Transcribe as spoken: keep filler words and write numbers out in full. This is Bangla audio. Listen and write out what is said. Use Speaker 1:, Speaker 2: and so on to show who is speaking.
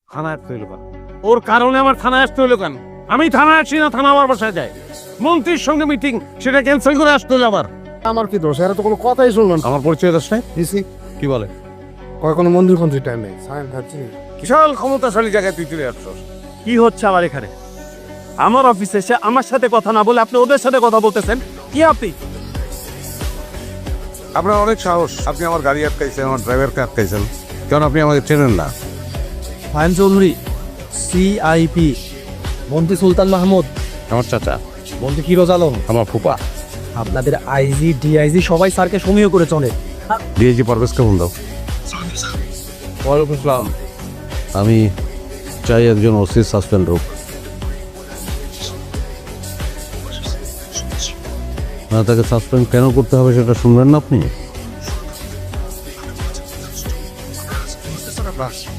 Speaker 1: থানায় আসতে হইলো কেন? ওর কারণে আমার থানায় আসতে হইলো কেন? আমি থানায় আসি না, থানা আমার বাসায় যায়। মন্ত্রীর সঙ্গে মিটিং, সেটা ক্যান্সেল করে আসতে হইলো আবার।
Speaker 2: আমার কি দোষ? এরা তো কোনো কথাই শুনলেন।
Speaker 1: আমার পরিচয় দোষ নাই?
Speaker 2: দিছি
Speaker 1: কি বলে?
Speaker 2: কয় কোনো মন্দির ফন্দির টাইম নেই, সায়েন্স খাচ্ছি।
Speaker 1: বিশাল ক্ষমতাশালী জায়গায় তুই চলে আসছস।
Speaker 3: কি হচ্ছে আমার এখানে? আমার অফিসে এসে আমার সাথে কথা না বলে আপনি ওদের সাথে কথা বলতেছেন, কি আপনি?
Speaker 1: আপনার অনেক সাহস, আপনি আমার গাড়ি আটকাইছেন, আমার ড্রাইভারকে আটকাইছেন, কারণ আপনি আমাকে চেনেন না।
Speaker 3: ফাহিম চৌধুরী, সিআইপি, মন্ত্রী সুলতান মাহমুদ,
Speaker 1: আমার চাচা,
Speaker 3: মন্ত্রী ফিরোজ আলম,
Speaker 1: আমার ফুপা,
Speaker 3: আপনাদের আইজি ডিআইজি সবাই স্যারকে সমীহ করে চলে।
Speaker 1: ডিআইজি পারভেজকে ফোন দাও। ওয়ালাইকুম আসসালাম। আমি চাই একজন ওসি সাসপেন্ড হোক। না, তাকে সাসপেন্ড কেন করতে হবে সেটা শুনবেন না আপনি?